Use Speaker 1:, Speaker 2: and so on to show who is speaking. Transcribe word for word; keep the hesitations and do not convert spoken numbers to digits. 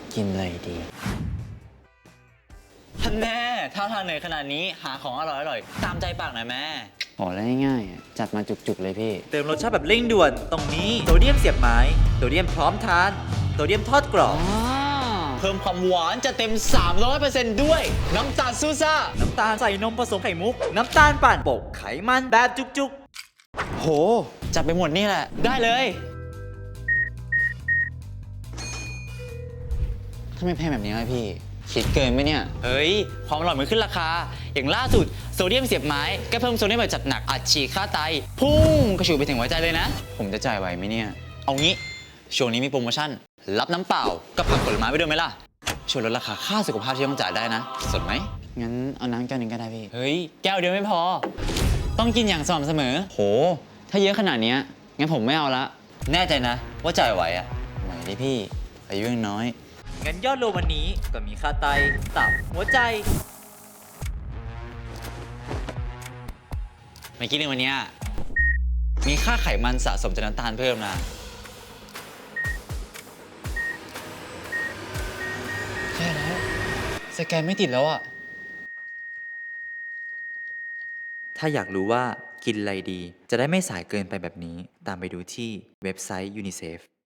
Speaker 1: กินอะไรดีท่านแม่ถ้าทานเหนื่อยขนาดนี้หาของอร่อยๆตามใจปากหน่อยแม่โอ้แล้วง่ายๆจัดมาจุกๆเลยพี่
Speaker 2: เติมรสชาติแบบเร่งด่วนตรงนี้โซเดียมเสียบไม้โซเดียมพร้อมทานโซเดียมทอดกรอบ
Speaker 1: เพิ่มความหวานจะเต็ม สามร้อยเปอร์เซ็นต์ ด้วยน้ำตาลซูซ่า
Speaker 2: น้ำตาลใส่นมผสมไข่มุกน้ำตาลปั่นโปะไขมันแบบจุก
Speaker 1: โหจัดไปหมดนี่แหละได้เลยทำไมแพงแบบนี้วะพี่คิดเกินไหมเนี่ยเฮ้ยความอร่อยมันขึ้นราคาอย่างล่าสุดโซเดียมเสียบไม้ก็เพิ่มโซเดียมแบบจัดหนักอัดฉีดค่าไตพุ่งกระฉูดไปถึงหัวใจเลยนะผมจะจ่ายไหวไหมเนี่ยเอางี้ช่วงนี้มีโปรโมชั่นรับน้ำเปล่ากับผักผลไม้ไปด้วยไหมล่ะช่วยลดราคาค่าสุขภาพที่ต้องจ่ายได้นะสนไหมงั้นเอาน้ำแก้วนึงก็ได้พี่เฮ้ยแก้วเดียวไม่พอต้องกินอย่างสม่ำเสมอโหถ้าเยอะขนาดนี้งั้นผมไม่เอาละแน่ใจนะว่าจ่ายไหวอะไหวดิพี่อายุยังน้อย
Speaker 2: ๆงั้นยอดรวมวันนี้ก็มีค่าไตตับหัวใจ
Speaker 1: เมื่อกี้ในวันนี้มีค่าไขมันสะสมจากน้ำตาลเพิ่มนะแย่แล้วสแกนไม่ติดแล้วอะ
Speaker 2: ถ้าอยากรู้ว่ากินอะไรดีจะได้ไม่สายเกินไปแบบนี้ตามไปดูที่เว็บไซต์ยูนิเซฟ